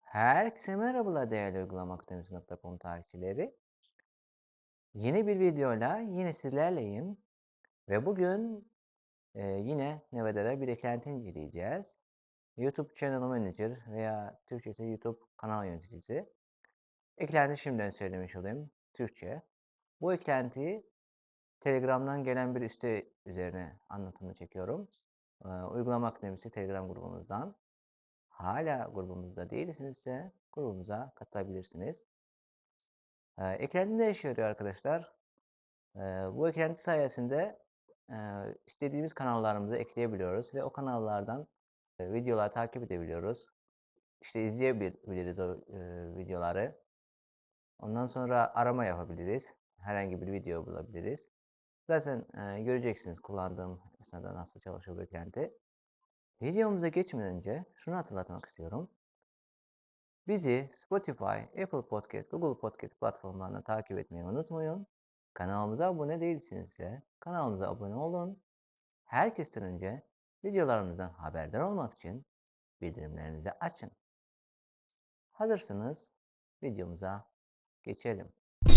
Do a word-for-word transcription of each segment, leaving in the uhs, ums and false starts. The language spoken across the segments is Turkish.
Herkese merhabalar değerli uygulama akademisi nokta com takipçileri. Yeni bir videoyla yine sizlerleyim ve bugün e, yine Neveda'da bir eklenti inceleyeceğiz. YouTube Channel Manager veya Türkçesi YouTube kanal yöneticisi. Eklenti şimdiden söylemiş olayım. Türkçe. Bu eklentiyi Telegram'dan gelen bir üste üzerine anlatımını çekiyorum. E, uygulama akademisi Telegram grubumuzdan. Hala grubumuzda değilsinizse grubumuza katılabilirsiniz. Ee, eklenti ne işe yarıyor arkadaşlar? Ee, bu eklenti sayesinde e, istediğimiz kanallarımızı ekleyebiliyoruz ve o kanallardan e, videolar takip edebiliyoruz. İşte izleyebiliriz o e, videoları. Ondan sonra arama yapabiliriz. Herhangi bir video bulabiliriz. Zaten e, göreceksiniz kullandığım esnada nasıl çalışıyor bu eklenti. Videomuza geçmeden önce şunu hatırlatmak istiyorum. Bizi Spotify, Apple Podcast, Google Podcast platformlarında takip etmeyi unutmayın. Kanalımıza abone değilsinizse kanalımıza abone olun. Herkesten önce videolarımızdan haberdar olmak için bildirimlerinizi açın. Hazırsınız, videomuza geçelim.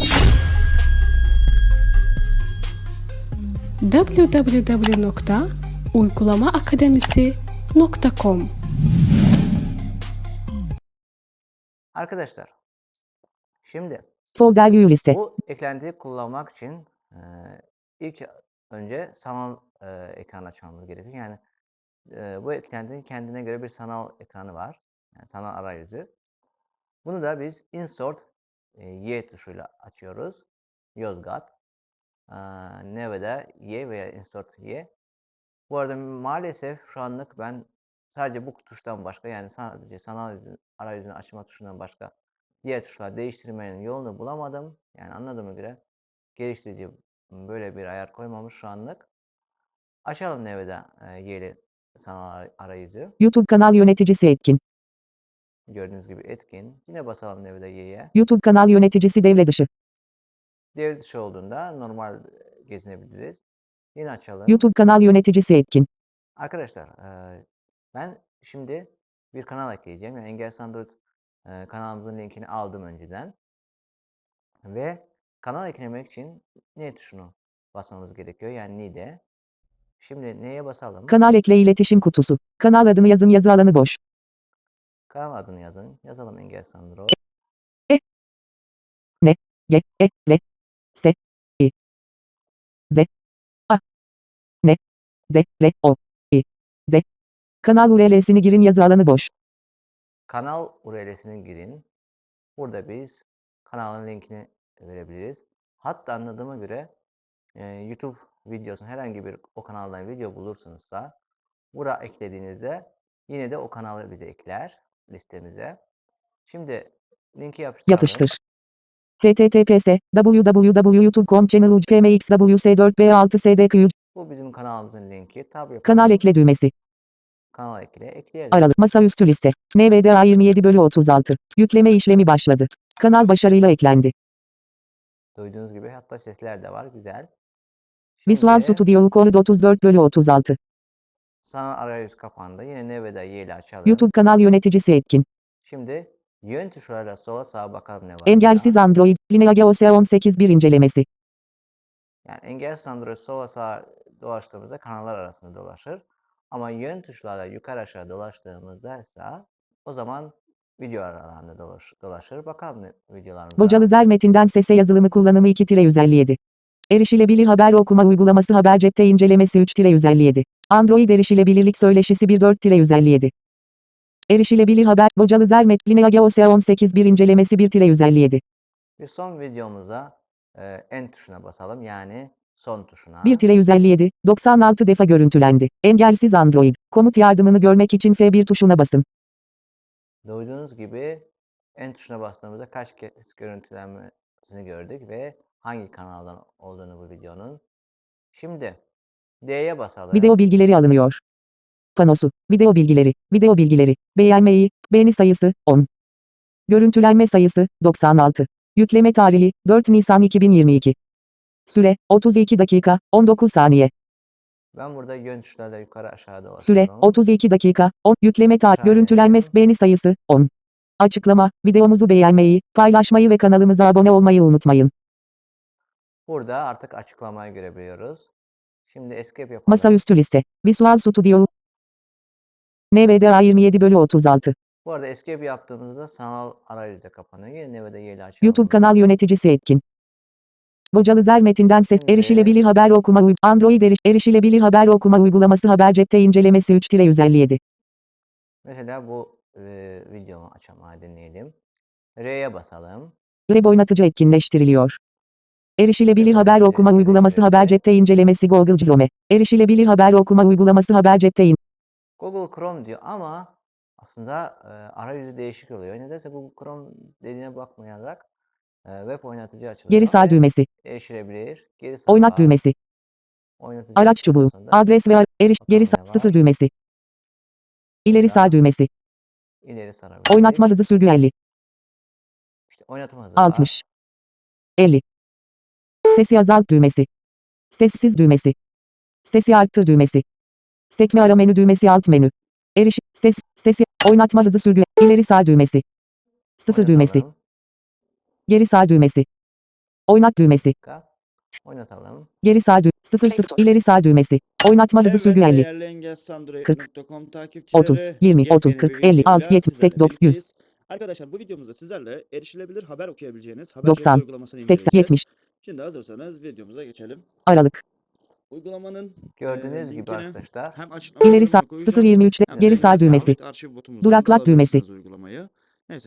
double-u double-u double-u nokta uygulama akademisi nokta com Arkadaşlar, şimdi Folder view liste. bu eklentiyi kullanmak için e, ilk önce sanal e, ekran açmamız gerekiyor. Yani e, bu eklentinin kendine göre bir sanal ekranı var. Yani sanal arayüzü. Bunu da biz insert e, Y tuşuyla açıyoruz. Yozgat. E, Neve'de Y veya insert Y. Bu arada maalesef şu anlık ben sadece bu tuştan başka, yani sadece sanal arayüzünü açma tuşundan başka diğer tuşlar değiştirmenin yolunu bulamadım. Yani anladığıma göre geliştirici böyle bir ayar koymamış şu anlık. Açalım Neve'de e, Y'li sanal arayüzü. YouTube kanal yöneticisi etkin. Gördüğünüz gibi etkin. Yine basalım Neve'de Y'ye. YouTube kanal yöneticisi devre dışı. Devre dışı olduğunda normal gezinebiliriz. Yine açalım. YouTube kanal yöneticisi etkin. Arkadaşlar e, ben şimdi bir kanal ekleyeceğim. Yani Engelsiz Android e, kanalımızın linkini aldım önceden. Ve kanal eklemek için ne tuşunu basmamız gerekiyor. Yani nide. Şimdi neye basalım? Kanal ekle iletişim kutusu. Kanal adını yazın, yazı alanı boş. Kanal adını yazın. Yazalım Engelsiz Android. E Ne G E L S I Z A N D L O I D. Kanal U R L'sini girin, yazı alanı boş. Kanal U R L'sini girin. Burada biz kanalın linkini verebiliriz. Hatta anladığıma göre e, YouTube videosu, herhangi bir o kanaldan video bulursunuzsa buraya eklediğinizde yine de o kanalı bize ekler listemize. Şimdi linki yapıştıralım. Yapıştır. H T T P S w w w nokta youtube nokta com channel u c p m x w s dört b altı s d q. Bu bizim kanalımızın linki. Tab yapalım. Kanal ekle düğmesi. Kanal ekle. Ekleyelim. Aralık masaüstü liste. N V D A yirmi yedi bölü otuz altı. Yükleme işlemi başladı. Kanal başarıyla eklendi. Duyduğunuz gibi hatta sesler de var. Güzel. Visual Şimdi Studio Code otuz dört bölü otuz altı. sanal arayüz kapandı. Yine Neve'de Y ile açalım. YouTube kanal yöneticisi etkin. Şimdi yön tuşlarıyla sola sağa bakalım ne var. Engelsiz burada. Android. Lineage O S on sekiz bir incelemesi. Yani engelsiz Android sola sağa dolaştığımızda kanallar arasında dolaşır. Ama yön tuşlarla yukarı aşağı dolaştığımızda ise o zaman video aralarında dolaş, dolaşır. Bakalım ne- videolarımıza. Bocalızer metinden sese yazılımı kullanımı iki yüz elli yedi. Erişilebilir haber okuma uygulaması haber cepte incelemesi üç yüz elli yedi. Android erişilebilirlik söyleşisi bir dört yüz elli yedi. Erişilebilir haber Bocalızer met Lineage O S on sekiz bir incelemesi bir yüz elli yedi. Bir son videomuzda e, en tuşuna basalım. Yani son tuşuna. bir yüz elli yedi, doksan altı defa görüntülendi. Engelsiz Android. Komut yardımını görmek için F bir tuşuna basın. Duyduğunuz gibi en tuşuna bastığımızda kaç kez görüntülenmesini gördük ve hangi kanaldan olduğunu bu videonun. Şimdi D'ye basalım. Video bilgileri alınıyor. Panosu. Video bilgileri. Video bilgileri. Beğenmeyi. Beğeni sayısı on. Görüntülenme sayısı doksan altı. Yükleme tarihi dört Nisan iki bin yirmi iki. Süre otuz iki dakika on dokuz saniye. Ben burada yön tuşlarla yukarı aşağı dolaşıyorum. Süre otuz iki dakika on. Yükleme tarihi. Aşağıya Görüntülenme inelim. beğeni sayısı on. Açıklama, videomuzu beğenmeyi, paylaşmayı ve kanalımıza abone olmayı unutmayın. Burada artık açıklamayı görebiliyoruz. Şimdi escape yapalım. Masaüstü liste. Visual Studio. N V D A yirmi yedi bölü otuz altı. Bu arada escape yaptığımızda sanal arayüzü de kapanıyor. Yine N V D A ile açalım YouTube bunu. kanal yöneticisi etkin. Vocalızer metinden ses Şimdi- erişilebilir haber okuma uy- Android eriş erişilebilir haber okuma uygulaması haber cepte incelemesi üç yüz elli yedi. Mesela bu e, videomu açalım, deneyelim. R'ye basalım. Web oynatıcı etkinleştiriliyor. Erişilebilir Web haber oynatıcı okuma uygulaması haber etkinleştirildi. cepte incelemesi Google Chrome. Erişilebilir haber okuma uygulaması haber cepte in Google Chrome diyor ama aslında e, arayüzü değişik oluyor. Nedense Google Chrome dediğine bakmayarak e, web oynatıcı açılıyor. Geri sar ve düğmesi. Erişilebilir. Geri sar Oynat var. düğmesi. Oynatıcı Araç çubuğu. esnasında. Adres ve ar- eriş geri Bakalım sar ne sıfır var? düğmesi. İleri sar Burada düğmesi. ileri sarabiliriz. Oynatma hızı sürgü elli. İşte oynatma hızı var. altmış. elli. Sesi azalt düğmesi. Sessiz düğmesi. Sesi arttır düğmesi. Sekme ara menü düğmesi alt menü. Eriş, ses, sesi, oynatma hızı sürgü, ileri sar düğmesi. Sıfır düğmesi. Oynatalım. Geri sar düğmesi. Oynat düğmesi. Dakika. Oynatalım. Geri sar düğmesi. sıfır sıfır, ileri sar düğmesi. Oynatma hızı sürgü Evet elli. değerli engelsandroid kırk, nokta com takipçileri otuz, yirmi, otuz, yepyeni bir kırk, elli, altı, videoyla yetmiş, sizlerle seksen, doksan, yüz. birlikteyiz. Arkadaşlar bu videomuzda sizlerle erişilebilir haber okuyabileceğiniz Haber Cepte doksan, uygulamasını seksen, inceleyeceğiz. yetmiş. Şimdi hazırsanız videomuza geçelim. Aralık. Uygulamanın Gördüğünüz e, gibi linkini arkadaşlar. hem açıklama İleri sar, bölümüne sıfır koyacağım yirmi üçte, hem geri de sar düğmesi. engelsandroid arşiv botumuzdan da Duraklat düğmesi. alabilirsiniz uygulamayı. Neyse.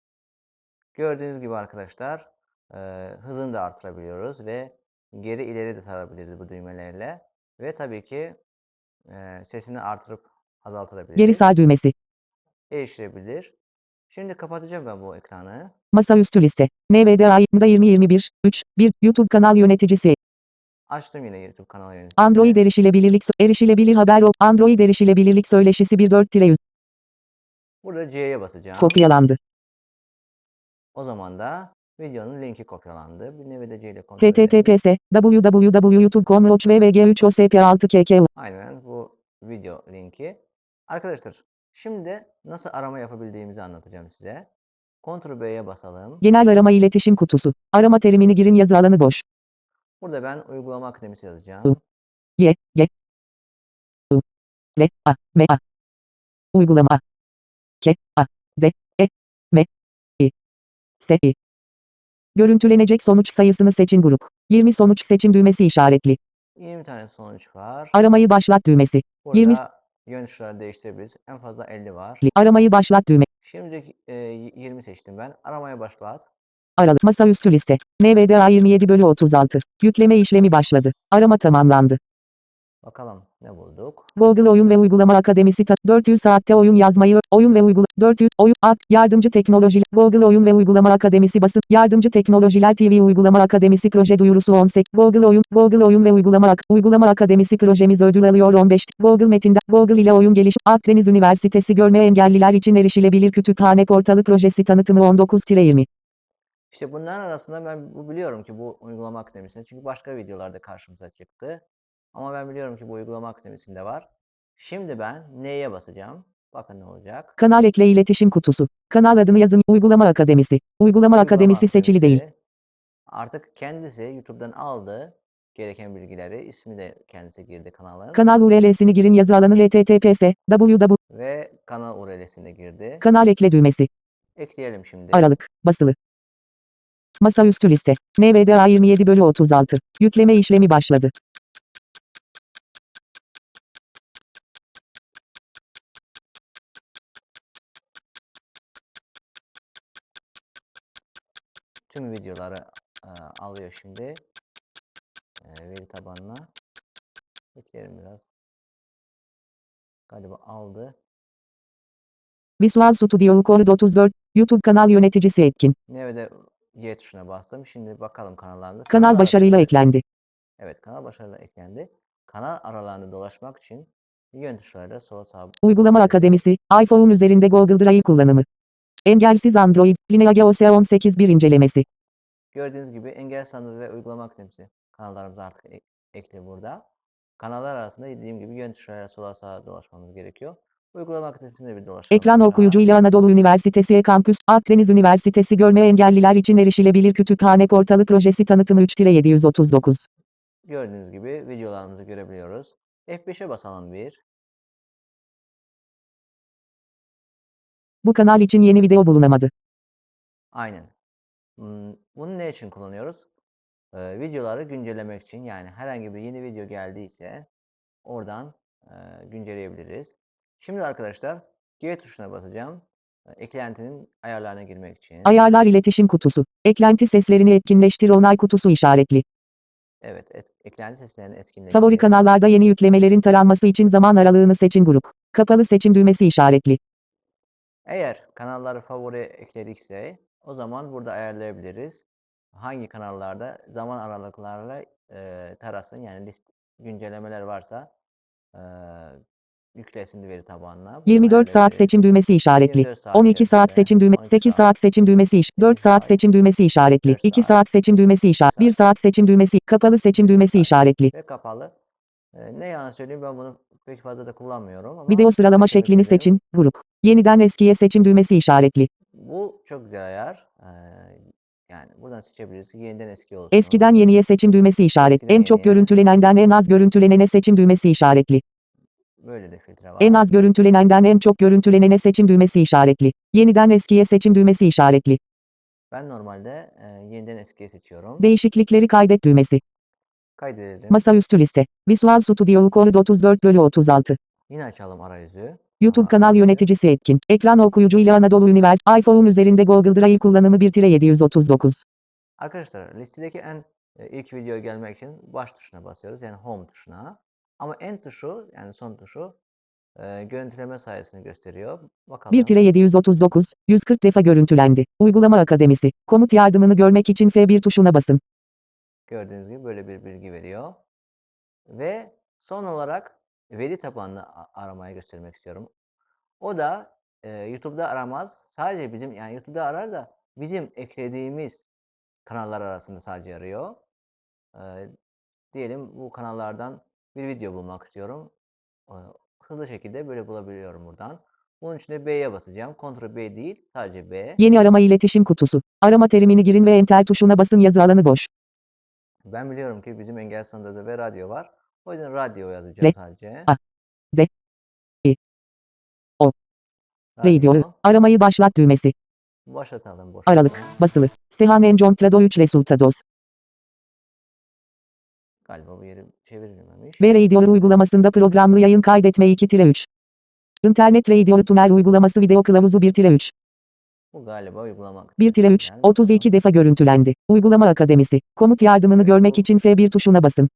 Gördüğünüz gibi arkadaşlar e, hızını da artırabiliyoruz ve geri ileri de sarabiliriz bu düğmelerle. Ve tabii ki e, sesini artırıp azaltabiliriz. Geri sar düğmesi. Erişilebilir. Şimdi kapatacağım ben bu ekranı. Masaüstü liste. N V D A yirmi yirmi bir, üç, bir, YouTube kanal yöneticisi. Açtım yine YouTube kanalı yöneticisini. Android erişilebilirlik, erişilebilir haber o, Android erişilebilirlik söyleşisi bir dört yüz. Burada C'ye basacağım. Kopyalandı. O zaman da videonun linki kopyalandı. Bir nevi de C ile kontrol edelim. https www nokta youtube nokta com slash v v g üç o s p altı k k. Aynen bu video linki. Arkadaşlar şimdi nasıl arama yapabildiğimizi anlatacağım size. Ctrl B'ye basalım. Genel arama iletişim kutusu. Arama terimini girin, yazı alanı boş. Burada ben uygulama akademisi yazacağım. Y, G, I, L, A, M, A. Uygulama A. K, A, D, E, M, I, S, I. Görüntülenecek sonuç sayısını seçin grup. yirmi sonuç seçim düğmesi işaretli. yirmi tane sonuç var. Aramayı başlat düğmesi. Burada yirmi yön tuşları değiştirebiliriz. En fazla elli var. Aramayı başlat düğme. Şimdi e, yirmi seçtim ben. Aramaya başlat. Aralık. Masaüstü liste. N V D A yirmi yedi bölü otuz altı. Yükleme işlemi başladı. Arama tamamlandı. Bakalım ne bulduk. Google Oyun ve Uygulama Akademisi ta- dört yüz saatte oyun yazmayı, oyun ve uygula dört yüz oyun ak yardımcı teknoloji Google Oyun ve Uygulama Akademisi basın yardımcı teknolojiler T V Uygulama Akademisi proje duyurusu on sekiz Google Oyun Google Oyun ve Uygulama Ak Uygulama Akademisi projemiz ödül alıyor on beş Google Metin'de Google ile oyun geliş Akdeniz Üniversitesi görme engelliler için erişilebilir kütüphane portalı projesi tanıtımı on dokuz yirmi. İşte bunların arasında ben bu biliyorum ki bu uygulama akademisinde, çünkü başka videolarda karşımıza çıktı. Ama ben biliyorum ki bu uygulama akademisinde var. Şimdi ben neye basacağım? Bakın ne olacak. Kanal ekle iletişim kutusu. Kanal adını yazın. Uygulama Akademisi. Uygulama, Uygulama Akademisi seçili değil. akademisi. Artık kendisi YouTube'dan aldı gereken bilgileri. İsmi de kendisi girdi kanalın. Kanal U R L'sini girin, yazı alanı https www Ve kanal U R L'sine girdi. Kanal ekle düğmesi. Ekleyelim şimdi. Aralık. Basılı. Masaüstü liste. N V D A yirmi yedi bölü otuz altı. Yükleme işlemi başladı. Tüm videoları e, alıyor şimdi. E, veri tabanına. Bekleyelim biraz. Galiba aldı. Visual Studio Code otuz dört. YouTube kanal yöneticisi etkin. Nevede Y tuşuna bastım. Şimdi bakalım kanallarında. Kanal başarıyla arasında- eklendi. Evet, kanal başarıyla eklendi. Kanal aralarını dolaşmak için yön tuşlarıyla sola sağa Uygulama basabiliriz. Akademisi. iPhone üzerinde Google Drive kullanımı. Engelsiz Android. Lineage O S on sekiz bir incelemesi. Gördüğünüz gibi engel sandığı ve uygulama akademisi kanallarımız artık ek- ekli burada. Kanallar arasında dediğim gibi yön tuşlarıyla sola sağa dolaşmamız gerekiyor. Uygulama aktivitesinde bir dolaşalım Ekran aşağı. okuyucuyla Anadolu Üniversitesi E-Kampüs, Akdeniz Üniversitesi Görme Engelliler için Erişilebilir Kütüphane Portalı Projesi tanıtımı üç yedi yüz otuz dokuz. Gördüğünüz gibi videolarımızı görebiliyoruz. F beşe basalım bir. Bu kanal için yeni video bulunamadı. Aynen. Hmm, Bunu ne için kullanıyoruz? Ee, videoları güncellemek için, yani herhangi bir yeni video geldiyse oradan e, güncelleyebiliriz. Şimdi arkadaşlar G tuşuna basacağım. E, Eklentinin ayarlarına girmek için. Ayarlar iletişim kutusu. Eklenti seslerini etkinleştir onay kutusu işaretli. Evet, et, eklenti seslerini etkinleştir. Favori kanallarda yeni yüklemelerin taranması için zaman aralığını seçin grup. Kapalı seçim düğmesi işaretli. Eğer kanalları favori ekledikse o zaman burada ayarlayabiliriz. Hangi kanallarda zaman aralıklarla e, tarasın, yani list güncellemeler varsa e, yüklesin veri tabanına. Buradan yirmi dört saat ayarlayabiliriz. seçim düğmesi işaretli. yirmi dört saat on iki saat içerisinde, seçim düğmesi, on iki sekiz saat, saat seçim düğmesi iş, dört sekiz saat saat, seçim düğmesi işaretli, dört iki saat, saat seçim düğmesi işaret, bir saat saat seçim düğmesi, kapalı seçim düğmesi saat işaretli. ve kapalı. E, ne yalan söyleyeyim, ben bunu pek fazla da kullanmıyorum ama Video sıralama söylemek şeklini istedim. seçin, grup. Yeniden eskiye seçim düğmesi işaretli. Bu çok güzel ayar. E, yani buradan seçebiliriz. Yeniden eski olsun. Eskiden yeniye seçim düğmesi işaret. Eskiden En çok yeniye. görüntülenenden en az görüntülenene seçim düğmesi işaretli. Böyle de filtre var. En az görüntülenenden en çok görüntülenene seçim düğmesi işaretli. Yeniden eskiye seçim düğmesi işaretli. Ben normalde e, yeniden eskiye seçiyorum. Değişiklikleri kaydet düğmesi. Kaydedelim. Masaüstü liste. Visual Studio Code otuz dört bölü otuz altı. Yine açalım arayüzü. YouTube Aha, kanal arayüzü. yöneticisi etkin. Ekran okuyucuyla Anadolu Üniversitesi. iPhone üzerinde Google Drive kullanımı bir yedi yüz otuz dokuz. Arkadaşlar listedeki en e, ilk video gelmek için baş tuşuna basıyoruz. Yani home tuşuna. Ama en tuşu, yani son tuşu e, görüntüleme sayesini gösteriyor. Bakalım. bir yedi yüz otuz dokuz, yüz kırk defa görüntülendi. Uygulama Akademisi. Komut yardımını görmek için F bir tuşuna basın. Gördüğünüz gibi böyle bir bilgi veriyor. Ve son olarak veri tabanlı aramaya göstermek istiyorum. O da e, YouTube'da aramaz. Sadece bizim, yani YouTube'da arar da bizim eklediğimiz kanallar arasında sadece arıyor. E, diyelim bu kanallardan bir video bulmak istiyorum. E, hızlı şekilde böyle bulabiliyorum buradan. Bunun için de B'ye basacağım. Ctrl B değil, sadece B. Yeni arama iletişim kutusu. Arama terimini girin ve enter tuşuna basın yazı alanı boş. Ben biliyorum ki bizim engel standardı ve radyo var. O yüzden radyo yazacağım L, sadece. A, D, I, O. Radio. Radyo. Aramayı başlat düğmesi. Başlatalım boş. Aralık. Basılı. Sehan Encontrado üç Resultados. Galiba bu yeri çevrilmemiş. Ve Radio uygulamasında programlı yayın kaydetme iki üç. İnternet Radio Tuner uygulaması video kılavuzu bir üç. Bu galiba uygulama. bir üç, otuz iki defa görüntülendi. Uygulama Akademisi. Komut yardımını Evet, görmek bu- için F bir tuşuna basın.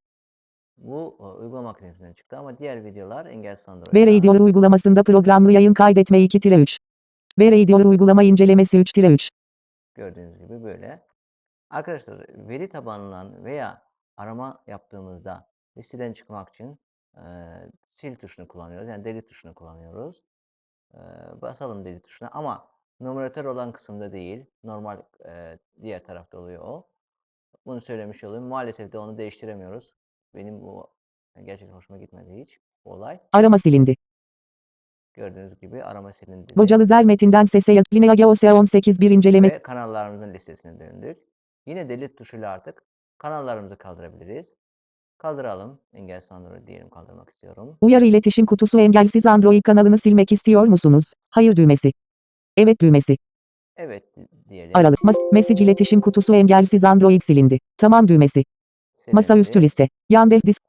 Bu e, uygulama akademisinden çıktı ama diğer videolar engel Ve Android'dan. Radio uygulamasında programlı yayın kaydetme iki üç. Ve Radio uygulama incelemesi üç üç. Gördüğünüz gibi böyle. Arkadaşlar veri tabanından veya arama yaptığımızda listeden çıkmak için e, sil tuşunu kullanıyoruz. Yani delete tuşunu kullanıyoruz. E, basalım delete tuşuna ama numaratör olan kısımda değil. Normal e, diğer tarafta oluyor o. Bunu söylemiş olayım. Maalesef de onu değiştiremiyoruz. Benim bu gerçekten hoşuma gitmedi hiç bu olay. Arama silindi. Gördüğünüz gibi arama silindi. Bocalı Zer metinden sese yaz. Lineage O S on sekiz bir inceleme. Ve kanallarımızın listesine döndük. Yine delete tuşuyla artık kanallarımızı kaldırabiliriz. Kaldıralım. Engel Android diyelim, kaldırmak istiyorum. Uyarı iletişim kutusu engelsiz Android kanalını silmek istiyor musunuz? Hayır düğmesi. Evet düğmesi. Evet diyelim. Aralık. Mas- Mesaj iletişim kutusu engelsiz Android silindi. Tamam düğmesi. Silindi. Masaüstü liste. Yandex disk.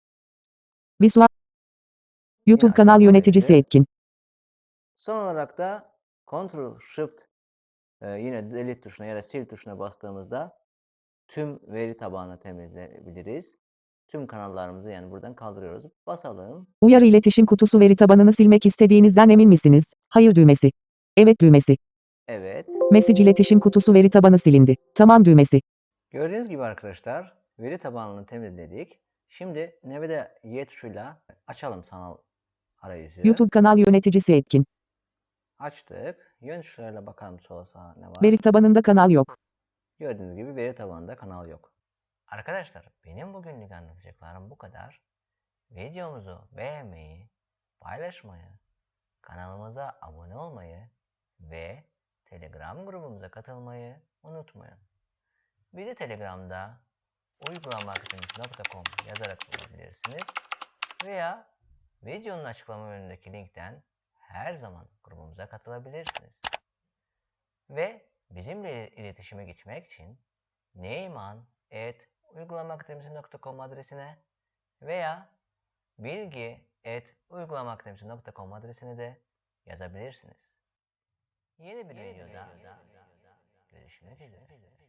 Visual. YouTube Yine kanal açalım yöneticisi arayüzü. etkin. Son olarak da Ctrl Shift e, yine delete tuşuna ya da sil tuşuna bastığımızda tüm veri tabanını temizleyebiliriz. Tüm kanallarımızı yani buradan kaldırıyoruz. Basalım. Uyarı iletişim kutusu veri tabanını silmek istediğinizden emin misiniz? Hayır düğmesi. Evet düğmesi. Evet. Mesaj iletişim kutusu veri tabanı silindi. Tamam düğmesi. Gördüğünüz gibi arkadaşlar veri tabanını temizledik. Şimdi Nevada Y tuşuyla açalım sanal arayüzü. YouTube kanal yöneticisi etkin. Açtık. Yön tuşlarıyla bakalım sola sağa ne var. Veri tabanında kanal yok. Gördüğünüz gibi veri tabanında kanal yok. Arkadaşlar benim bugünlük anlatacaklarım bu kadar. Videomuzu beğenmeyi, paylaşmayı, Kanalımıza abone olmayı ve Telegram grubumuza katılmayı unutmayın. Bizi Telegram'da uygulamaakademisi nokta com yazarak bulabilirsiniz veya videonun açıklama bölümündeki linkten her zaman grubumuza katılabilirsiniz. Ve bizimle iletişime geçmek için neyman at uygulamaakademisi nokta com adresine veya bilgi at uygulamaakademisi nokta com adresine de yazabilirsiniz. Yeni bir videoda görüşmek üzere.